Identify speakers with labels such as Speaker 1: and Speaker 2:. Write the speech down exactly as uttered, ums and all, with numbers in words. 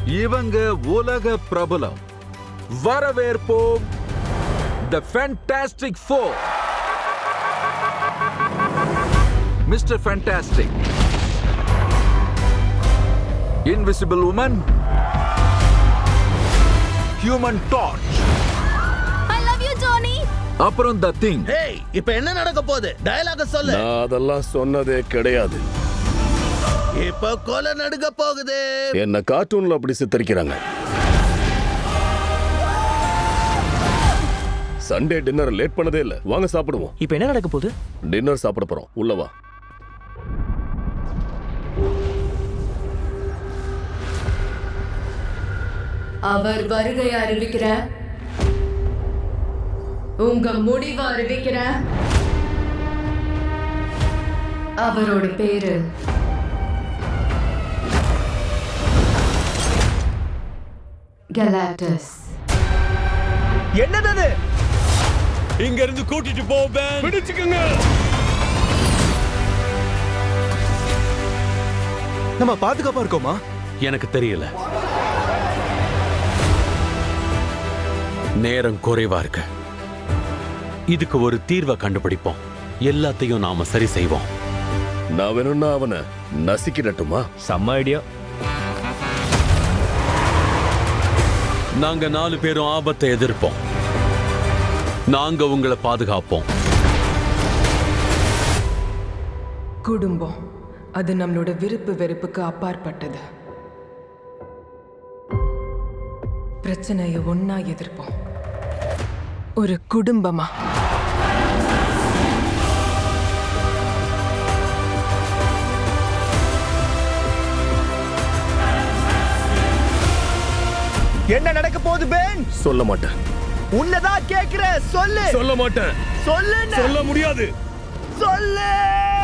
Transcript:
Speaker 1: இவங்க உலக பிரபலம். வரவேற்போம் The Fantastic Four. Mister Fantastic, Invisible Woman, Human Torch.
Speaker 2: I love you, Tony.
Speaker 1: அப்புறம் The Thing.
Speaker 3: ஹேய், இப்போ என்ன நடக்க போகுது? டயலாக சொல்லு.
Speaker 4: நான் அதெல்லாம் சொன்னதே கிடையாது.
Speaker 3: இப்போ கொலை நடக்க போகுது.
Speaker 4: என்ன கார்ட்டூன்ல அப்படி சித்தரிக்கிறாங்க. சண்டே டின்னர் லேட் பண்ணதே இல்ல. வாங்க சாப்பிடுவோம்.
Speaker 5: இப்போ என்ன நடக்க போகுது?
Speaker 4: டின்னர் சாப்பிட போறோம். உள்ள வா.
Speaker 6: அவர் வருகை அறிவிக்கிற, உங்க முடிவை அறிவிக்கிற. அவரோட பேரு கலாட்டஸ்.
Speaker 5: என்னது?
Speaker 7: இங்க இருந்து கூட்டிட்டு போ பென்.
Speaker 4: பிடிச்சுக்கங்க.
Speaker 5: நம்ம பாதுகாப்பா இருக்கோமா?
Speaker 7: எனக்கு தெரியல. நேரம் குறைவா இருக்கு. இதுக்கு ஒரு தீர்வை கண்டுபிடிப்போம். எல்லாத்தையும் நாம சரி செய்வோம்.
Speaker 4: நான் வேணும்னா அவனை நசிக்கிடட்டுமா?
Speaker 5: செம்ம ஐடியா.
Speaker 7: நாங்க நாலு பேரும் ஆபத்தை எதிர்ப்போம். நாங்க உங்களை பாதுகாப்போம்.
Speaker 8: குடும்பம் அது நம்மளோட விருப்பு வெறுப்புக்கு அப்பாற்பட்டது. பிரச்சனையை ஒன்னா எதிர்ப்போம், ஒரு குடும்பமா.
Speaker 5: என்ன நடக்க போகுது பென்?
Speaker 4: சொல்ல மாட்டேன்.
Speaker 5: உன்னதான் கேக்குற, சொல்லு.
Speaker 4: சொல்ல மாட்டேன்.
Speaker 5: சொல்லு.
Speaker 4: சொல்ல முடியாது.
Speaker 5: சொல்லு.